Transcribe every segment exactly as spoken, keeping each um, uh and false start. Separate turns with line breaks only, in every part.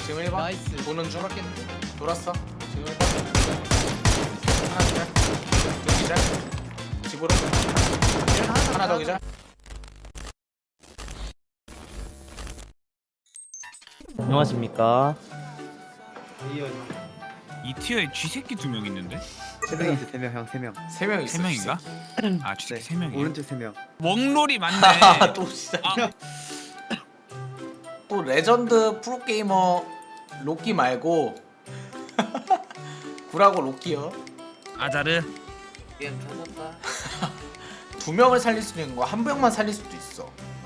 지금 일 번.
나이스.
도는 중.
돌았겠는데?
돌았어. 지금 일 번. 하나 기절. 둘 기절. 집으로. 하나 더 기절.
안녕하십니까.
이 티어에 쥐새끼 두 명 있는데?
세 명 있어, 세 명, 형, 세 명.
세 명 있어.
세 명인가? 아 쥐새끼 세 명이야.
오른쪽 세 명.
웡롤이 맞네.
또 진짜.
아,
또 레전드 프로게이머 로끼 말고 구라고 로끼요.
아자르.
미안 찾았다.
두 명을 살릴 수도 있는 거 한 명만 살릴 수도 있어.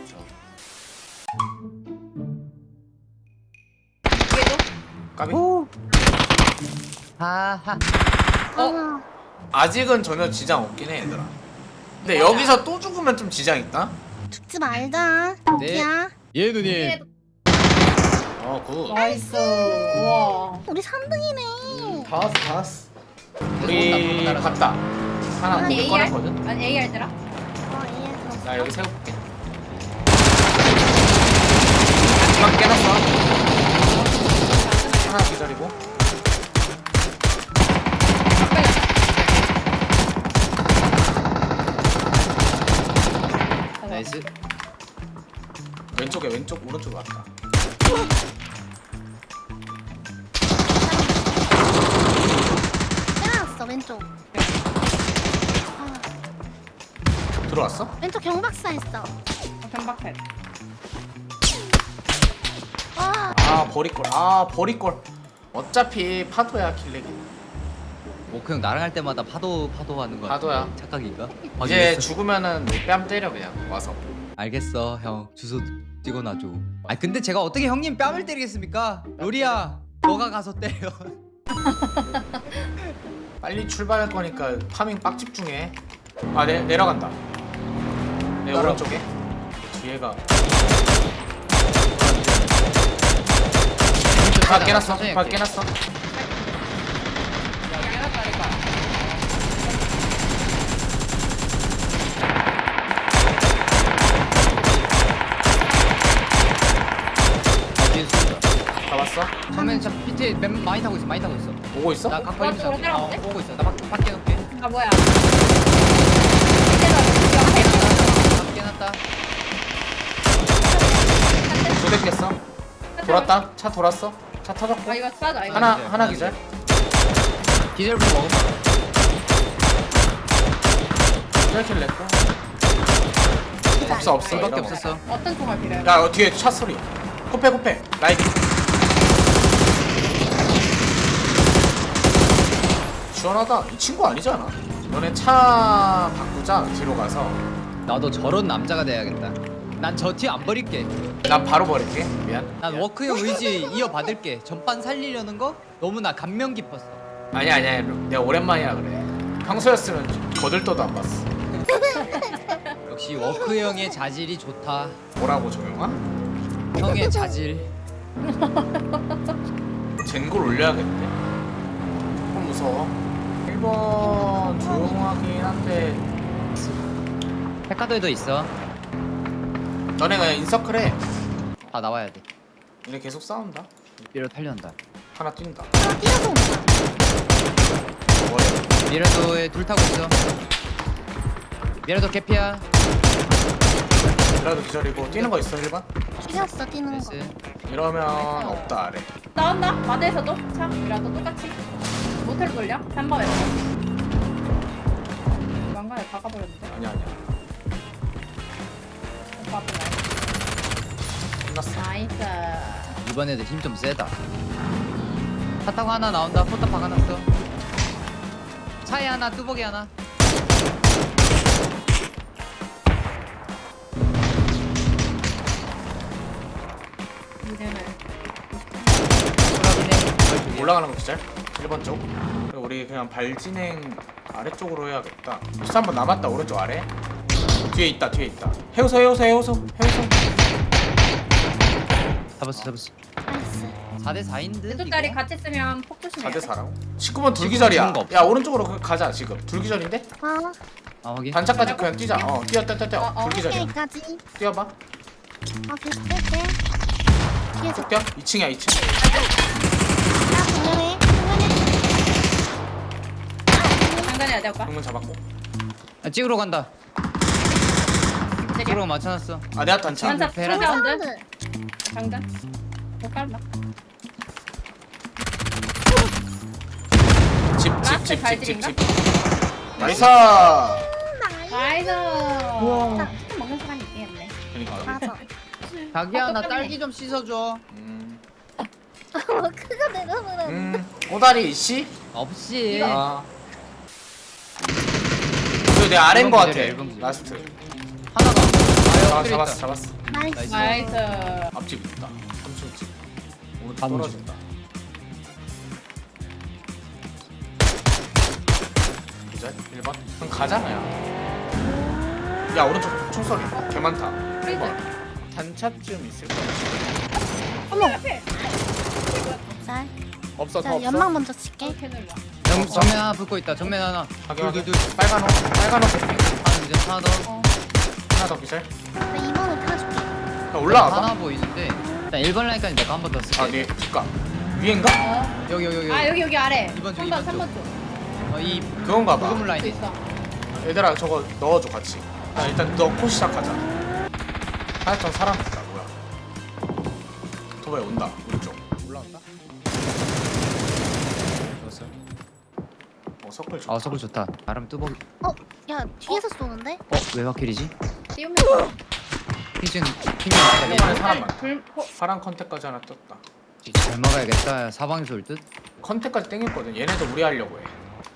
까비.
하하.
어?
아직은 전혀 지장 없긴 해 얘들아. 근데 여기서 또 죽으면 좀 지장 있다.
죽지 말자.
네.
야,
예 누님.
어 굿.
나이스. 우와. 우리 삼 등이네.
다 왔어 다 왔어. 우리 갔다. 하나
아,
고개
에이알?
꺼냈거든.
아니 A 할 때라? 어, A 할 때.
나 여기 세워볼게. 중앙 깨놨어. 하나 기다리고.
나이스.
왼쪽에 왼쪽 오른쪽으로 왔다.
때려놨어 왼쪽. 아,
들어왔어?
왼쪽 경박사 했어.
경박해.
와,
아 버릴걸. 아 버릴걸. 어차피 파도야 킬렉이.
오크 형 나랑 할 때마다 파도 파도 하는 거 같아.
파도야.
착각인가?
이제
확인했어.
죽으면은 뺨 때려 그냥 와서.
알겠어 형 주소 찍어놔줘. 아 근데 제가 어떻게 형님 뺨을 때리겠습니까? 요리야 너가 가서 때려.
빨리 출발할 거니까 파밍 빡 집중해. 아 내, 내려간다. 내
따라.
오른쪽에. 뒤에가. 다 깨놨어.
천천히
다
할게.
깨놨어.
뒤에 쏜다.
잡았어.
정면 저 피트 맨 많이 타고 있어 많이 타고 있어.
보고 있어?
나 각벌
오른쪽으로
입니다. 어,
따라오는데?
오고 있어. 나 밖, 밖에 놓게.
아 뭐야?
밖에 놨다.
두 대 깼어. 돌았다. 차 돌았어. 차 터졌고.
아 이거 싸자 이거.
하나
기절,
하나
하나
기절.
디젤부터 먹어봐.
기절 킬 냈고. 없어 없어.
이밖에
이러면.
없었어.
어떤 총알 필요해?
야 어, 뒤에 차 소리. 코페 코페. 라이트. 시원하다. 이 친구 아니잖아. 너네 차 바꾸자. 뒤로 가서.
나도 저런 남자가 돼야겠다. 난 저 티 안 버릴게.
난 바로 버릴게. 미안.
난
미안.
워크형 의지 이어받을게. 전반 살리려는 거 너무나 감명 깊었어.
아니야 아니야. 내가 오랜만이라 그래. 평소였으면 거들떠도 안 봤어.
역시 워크형의 자질이 좋다.
뭐라고 정영아?
형의 자질.
젠골 올려야겠네. 조금 무서워. 일 번 조용하긴 한데
백화도에도 있어.
너네 그냥 인서클 해.
다 나와야 돼.
얘네 계속 싸운다.
미러 탈려한다.
하나 뛴다.
하나 뛰어서 온다.
머리.
미러도에 둘 타고 있어. 미러도 개피야.
그래도 기절이고 뛰는 거 있어 일 번?
죽였어 뛰는 거.
나이스.
이러면 없다 아래.
나온다. 마대에서도 참이라도 똑같이 모텔 돌려. 삼 번에서. 왕관에 박아버렸는데.
아니야 아니야.
오빠 앞에 나와.
끝났어.
나이스.
이번 애들 힘 좀 세다. 차 타고 하나 나온다. 포탑 박아놨어. 차에 하나, 뚜벅이 하나.
이제는
소라기네.
올라가는 거 기절? 일 번 쪽. 그리고 우리 그냥 발 진행 아래쪽으로 해야겠다. 수한 번 남았다 오른쪽 아래. 뒤에 있다 뒤에 있다. 해우소 해우소 해우소 해우소.
잡았어, 잡았어.
나이스.
사 대 사인 듯.
두 자리 같이 쓰면 폭 조심해.
사 대 사라고? 십구 번 둘기절이야.
죽은 거 없어.
야 오른쪽으로 그- 가자 지금. 둘기절인데?
아,
아, 확인.
단차까지 그냥 뛰자. 어 뛰어 뛰어 뛰어 뛰어.
어, 어.
둘기절이야.
여기까지.
뛰어봐.
아, 계속 뺄게. 뒤에 저.
뼈? 이 층이야 이 층.
나 분명해. 분명해.
장난이야 내 오빠.
정문 잡았고.
아, 찍으러 간다.
내려.
찍으러 맞춰놨어.
아 내가 단차.
장전
베란다.
사운드.
사운드.
장전. 못 깔나? 라스트
집집집집집
발질인가?
집. 나이스.
나이스.
우와.
치킨 먹는 사람이 있겠네.
그러니까.
맞아.
자기야 나
어,
딸기 좀 씻어줘.
음.
그거 내가 그래.
음. 오다리 씨.
없이.
아. 이거 내 아래인 거 같아.
일번 기절이야, 일번 기절.
라스트.
하나가.
아
아,
잡았어 잡았어.
나이스.
나이스.
앞집 있다. 삼촌 집. 오른쪽
삼촌.
떨어진다. 기절 일 번. 그럼 가잖아요. 야 오른쪽 총소리. 개 많다. 일 번. 단차쯤 있을 거야.
어머 앞에.
잘.
없어 더
자
없어.
연막 먼저 칠게.
이렇게 눌러.
정, 정면 하나 붙고 있다. 정면 하나.
확인하게.
둘둘둘.
빨간 옷. 빨간 옷 새끼.
하나 이제 하나 더.
어.
하나 더 기절.
나 이번에 타줄게.
야, 올라와봐.
하나 보이는데. 일단 일 번 라인까지 내가 한 번 더 쓸게.
아, 네. 그니까 위인가?
어.
여기 여기 여기.
아 여기 여기 아래.
이번 쪽,
삼 번
이번
삼 번
쪽.
쪽.
어, 이
그건가 봐.
부금
또
라인.
있어.
얘들아, 저거 넣어줘 같이. 야, 일단 넣고 시작하자. 하여튼 사람 있다. 뭐야? 도바에 온다. 오른쪽. 올라온다.
넣었어.
어, 서클 좋다.
아 서브 좋다. 나름 뚜벅.
어, 야 뒤에서 쏘는데?
어 외곽킬이지?
띄우면서.
피징 피징
네.
잘
사람 많다.
불 호.
파란 컨택까지 하나 떴다.
잘 막아야겠다. 사방에서 올 듯.
컨택까지 땡겼거든. 얘네도 우리 하려고 해.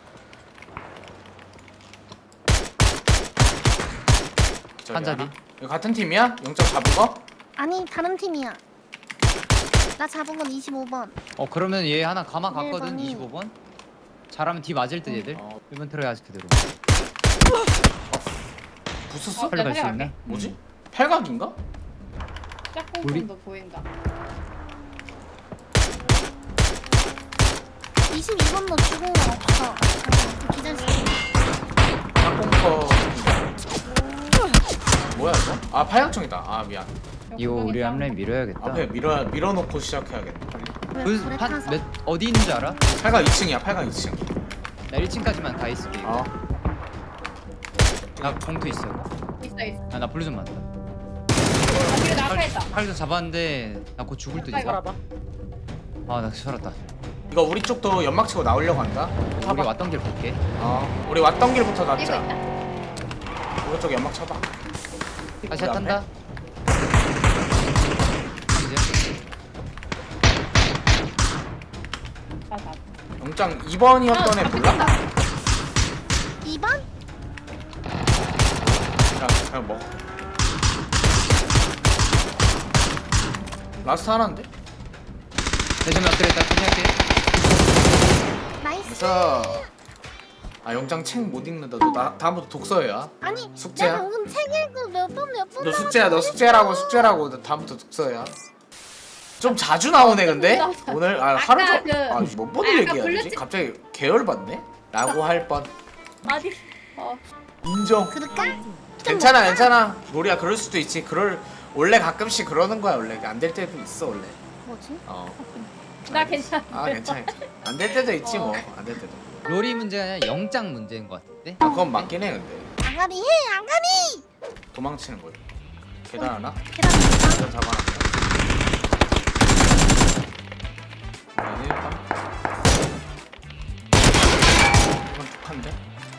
기절이
한자리.
하나. 이거 같은 팀이야? 영점 잡은 거?
아니 다른 팀이야. 나 잡은 건 이십오 번.
어 그러면 얘 하나 가마 갔거든.
일 번이.
이십오 번. 잘하면 뒤 맞을 듯 얘들.
어.
일 번 트로이 아직 그대로.
부스스?
어,
빨리 갈 수
내가
있나?
할게.
뭐지? 팔각인가?
짝꿍도 보인다.
이십이 번도 죽은 건 없어. 그 기절시켜.
짝꿍커. 뭐야 이거? 아 팔각정이다. 아 미안.
이거 우리 앞라인 밀어야겠다.
앞에 밀어 밀어놓고 시작해야겠다.
왜
그
불에
판,
타서?
몇, 어디 있는 줄 알아?
팔각 이 층이야. 팔각 이 층.
나 일 층까지만 가 있을게. 이거.
어.
나 봉투 있어.
있어 있어.
아, 나 블루 좀 맞다.
아 뒤에 나 아까 있다.
팔도 잡았는데 나 곧 죽을 듯 이거. 아나 살았다.
이거 우리 쪽도 연막 치고 나오려고 한다.
우리
타봐.
왔던 길 볼게.
어. 우리 왔던 길부터
이거
낫자.
있다.
오른쪽 연막 쳐봐.
다시
우리
탄다.
앞에?
이제
아 나.
영장 이 번이었던 애 몰라?
이 번?
그냥 그냥 먹어. 라스트 하나인데?
대전 엎드려 있다. 끝낼게.
나이스.
그래서 아 영장 책 못 읽는다. 너 나, 다음부터 독서해야.
아니
숙제야?
내가 방금 책 읽고 몇 번 몇 번.
너 숙제야. 너 숙제라고 숙제라고. 너 다음부터 독서해야. 좀 자주 나오네 근데 오늘 아 하루
아까
종
그-
아몇 번을
아, 아까
얘기해야 되지?
블루칩-
갑자기 계열 받네? 라고 할 뻔.
어디? 어.
인정.
그럴까?
괜찮아 괜찮아. 로리야 그럴 수도 있지. 그럴 원래 가끔씩 그러는 거야 원래. 안 될 때도 있어 원래.
뭐지?
어.
나 괜찮아.
아 괜찮아. 안 될 때도 있지
어.
뭐. 안 될 때도.
롤이 문제가 아니라 영장 문제인 것 같은데.
아, 그건 맞긴 해 근데.
안가리 해 안가리.
도망치는 거야. 계단 하나?
계단 있다.
계단 잡아놨다. 아, 일단. 이건 툭한데?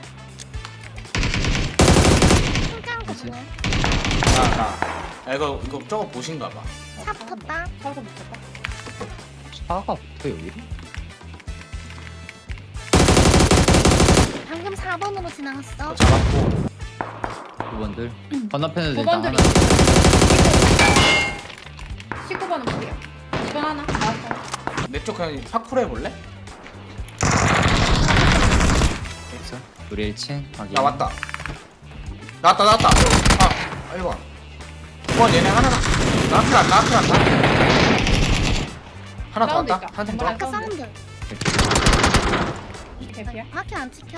신기한 거
뭐지?
보네.
나, 나. 야, 이거, 이거 저거 보신가 봐.
차 붙었다.
차서 붙였다.
차가 붙어 여기?
방금 사 번으로
이거
지나갔어.
잡았고.
두 번들. 건너편에도 일단
번들이.
하나.
십구 번은 무리야. 이 번 하나. 나왔어.
내 쪽 그냥 파쿠르 해볼래?
있어. 우리 일 층 확인.
나 왔다. 나왔다, 나왔다. 아, 일 번. 이 번 얘네 하나. 나왔다, 나왔다, 나왔다. 하나 더
사운드
왔다.
있다.
한 팀 더.
정말
아까 사운드.
개피야?
밖에 안 찍혀?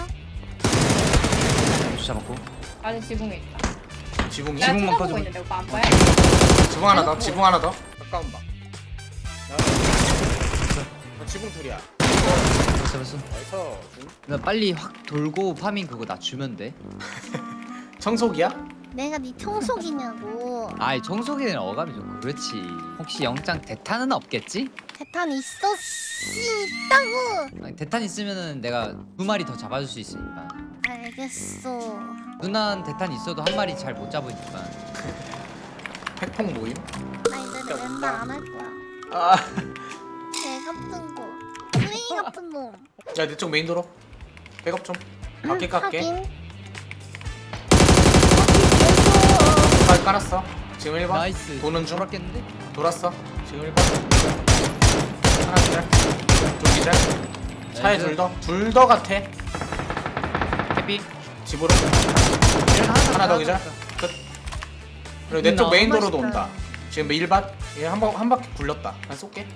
잡았고.
아직 지붕에 있다.
지붕이?
나
지붕만
쳐다보고
꺼주면-
있는데 오빠 안 보여?
지붕 하나 더, 지붕 하나 더. 가까운 방. 나 지붕 둘이야.
벌써 벌써.
어디서?
나 빨리 확 돌고 파밍 그거 나 주면 돼.
청소기야?
내가 네 청소기냐고.
아이 청소기는 어감이 좀 그렇지. 혹시 영장 대탄은 없겠지?
대탄 있어 씨 있다고.
아니, 대탄 있으면은 내가 두 마리 더 잡아줄 수 있으니까.
알겠어.
누난 대탄 있어도 한 마리 잘 못 잡으니까.
핵폭 모임?
나 이제 내 멤버 안할 거야.
아.
개 같은 거. 쓰레기 같은 놈.
야, 내 쪽 메인 도로. 백업 좀. 밖에 깎게.
하긴.
발 깔았어. 지금 일 번.
나이스.
도는 중.
돌았겠는데?
돌았어. 지금 일 번. 하나 기절. 좀 기절. 차에
나이스.
둘 더. 둘 더 같아.
해피.
집으로. 하나 더 기절. 끝. 그리고 내 쪽
너무
메인 도로도
맛있다.
온다. 지금 일 밭. 얘한번 한 바퀴 굴렸다. 난 쏠게.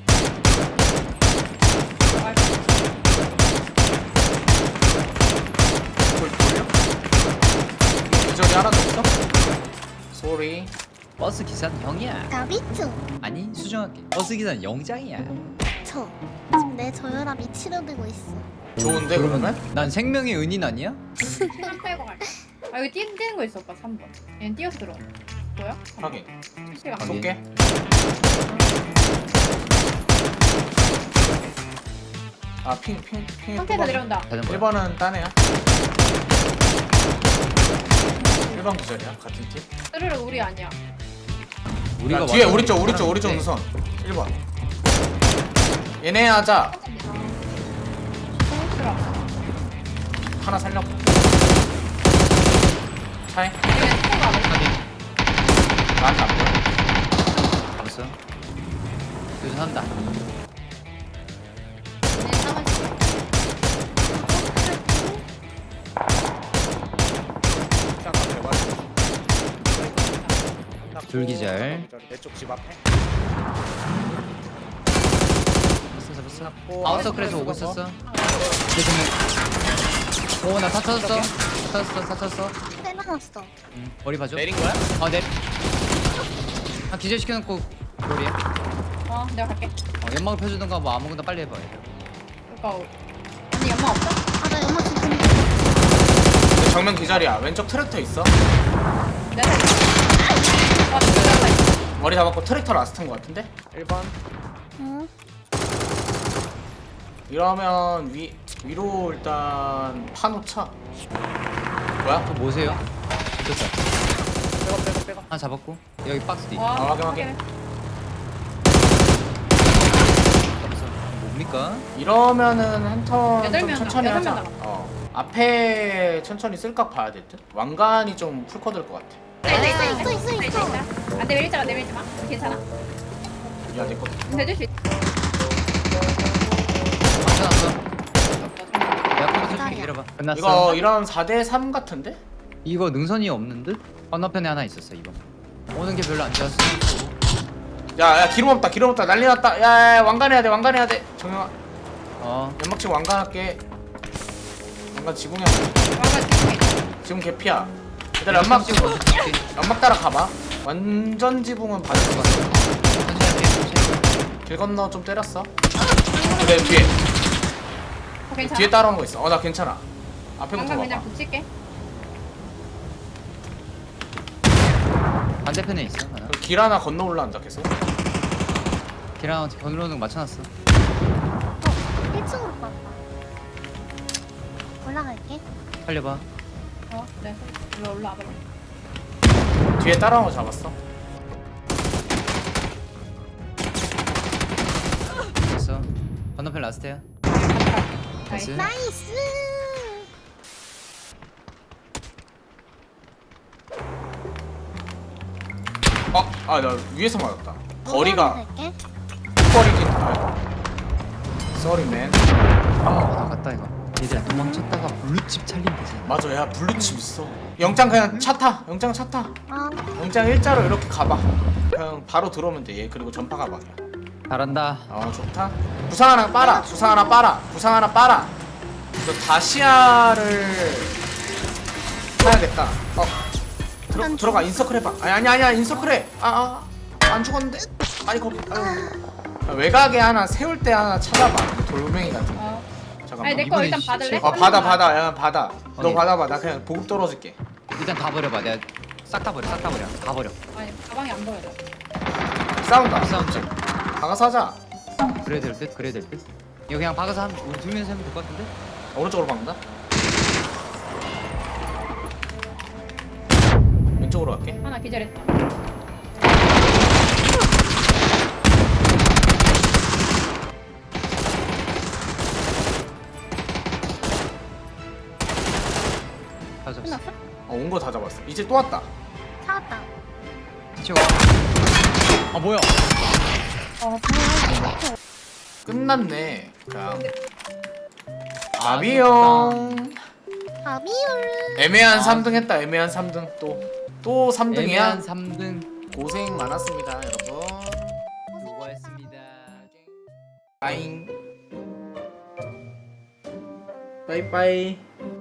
돌 돌려? 기절이 하나도 없어? 쏘리.
버스 기사는 형이야.
나비트.
아니 수정할게. 버스 기사는 영장이야.
저 지금 내 저혈압이 치료되고 있어.
좋은데 그러면?
난 생명의 은인 아니야?
한 빼고 갈게. 아 여기 뛰는, 뛰는 거 있어 오빠 삼 번. 얘는 뛰어서 들어. 뭐야?
확인.
시간.
확인.
쏠게. 아, 핑, 핑, 핑.
상태에서 내려온다.
자전거.
일 번은 딴 애야. 일 번 기절이야, 같은 팀.
스르르 우리 아니야.
우리가
야, 뒤에
와서
우리 쪽, 우리 쪽, 우리 쪽
네.
우선. 일 번. 얘네 하자.
스르르.
하나 살려. 차이.
얘는 스포가 안 돼.
나한테 안 보여.
잡았어. 여기서 한다.
얘네 사만 씩.
잠깐 제발.
둘기절.
내쪽 집 앞에.
잡았어 잡았어.
잡고
아웃서클에서 오고 있었어. 오나 다 찾았어. 다 찾았어 다 찾았어.
빼놨어.
응, 머리 봐줘.
내린 거야?
아 네. 아 기절 시켜놓고 머리에.
어 내가 갈게.
어, 연막을 펴주던가 뭐 아무거나 빨리 해봐.
그러니까 언니 연마 없어?
아나 연막 지금
내 정면 기절이야. 왼쪽 트랙터 있어.
내가 아 진짜 있어.
머리 잡았고 트랙터 라스트인 거 같은데? 일 번.
응.
이러면 위 위로 일단 파놓자. 뭐야?
저 뭐세요? 됐다.
빼고 빼고 빼고.
하나 잡았고 여기 박스 뒤.
와,
아, 확인, 확인.
잡았어. 뭡니까?
이러면은 한 턴
여덟
좀
명
천천히
남-
하자.
여덟 명
어. 앞에 천천히 쓸각 봐야 될 듯. 왕관이 좀 풀커들 것 같아.
있어 있어
있어,
있어
있어,
있어
있어.
있어. 안 내밀지 마 내밀지 마. 괜찮아.
야, 내 거.
대줄 수 있어.
맞춰놨어. 내가 컴퓨터 좀 기다려봐. 끝났어.
이거 이런 사 대 삼 같은데?
이거 능선이 없는 듯? 건너편에 하나 있었어 이거. 오는 게 별로 안 좋았어.
야, 야, 기름 없다. 기름 없다. 난리 났다. 야, 야, 왕관 해야 돼. 왕관 해야 돼. 정영아.
어.
연막 치고 왕관 할게. 왕관 지붕이야.
와가 지금 있어.
지금 개피야. 일단 연막
찍고 먼저 찍게.
연막 따라 가봐. 완전 지붕은 받을 것 같아.
천천히 할게. 천천히.
길 건너 좀 때렸어. 내 뒤에.
어, 괜찮아.
뒤에 따라오는 거 있어. 어, 나 괜찮아. 앞에부터
방금
봐봐.
그냥 붙일게.
반대편에 있어 하나.
그길 하나 건너 올라온다 계속.
걔랑 건너오는 거 맞춰놨어.
일 층으로 갔다. 올라갈게.
살려봐.
어, 네. 일로 올라와봐.
뒤에 따라오는 거 잡았어.
됐어. 건너편 라스트야. 나이스.
나이스.
어, 아, 나 위에서 맞았다. 거리가
갈게.
거리긴. 아, 쏘리맨.
아, 나갔다 이거. 얘들아 도망쳤다가 블루칩 찰림 되잖아.
맞아, 야 블루칩 있어. 영장 그냥 차 타. 영장 차 타.
아
영장 일자로 이렇게 가봐. 그냥 바로 들어오면 돼. 얘 그리고 전파 가방이야.
잘한다.
어, 좋다. 부상 하나 빨아. 부상 하나 빨아. 부상 하나 빨아. 너 다시아를 사야겠다. 어, 들어
난
들어가 인서클 해봐. 아니 아니 아니야 인서클 해. 아아 안 죽었는데. 아니 거기. 아유. 외곽에 하나 세울 때 하나 찾아봐. 그 돌멩이 같은 거.
어.
잠깐만.
아니 내 거
이번에
일단
시-
받을래?
어 받아 받아 야 받아. 너
확인.
받아봐. 나 그냥 보급 떨어질게.
일단 다 버려봐. 내가 싹 다 버려. 싹 다 버려. 다 버려.
아니 가방이 안 보여져.
싸운다.
싸움자.
박아서 하자.
그래야 될 듯. 그래야 될 듯. 이거 그냥 박아서 한 우리 두 명이서 하면 될 것 같은데?
오른쪽으로 박는다. 왼쪽으로 갈게.
하나 기절했다.
다 잡았어.
끝났어?
어, 온 거 다 잡았어. 이제 또 왔다.
찾았다.
치워. 아 뭐야?
어, 방해하기.
끝났네. 그냥
아,
아비용.
아비율.
애매한
아.
삼 등 했다. 애매한 삼 등 또. 또 삼 등이야.
애매한 삼 등
고생 많았습니다, 여러분.
수고했습니다.
빠잉. 빠이빠이.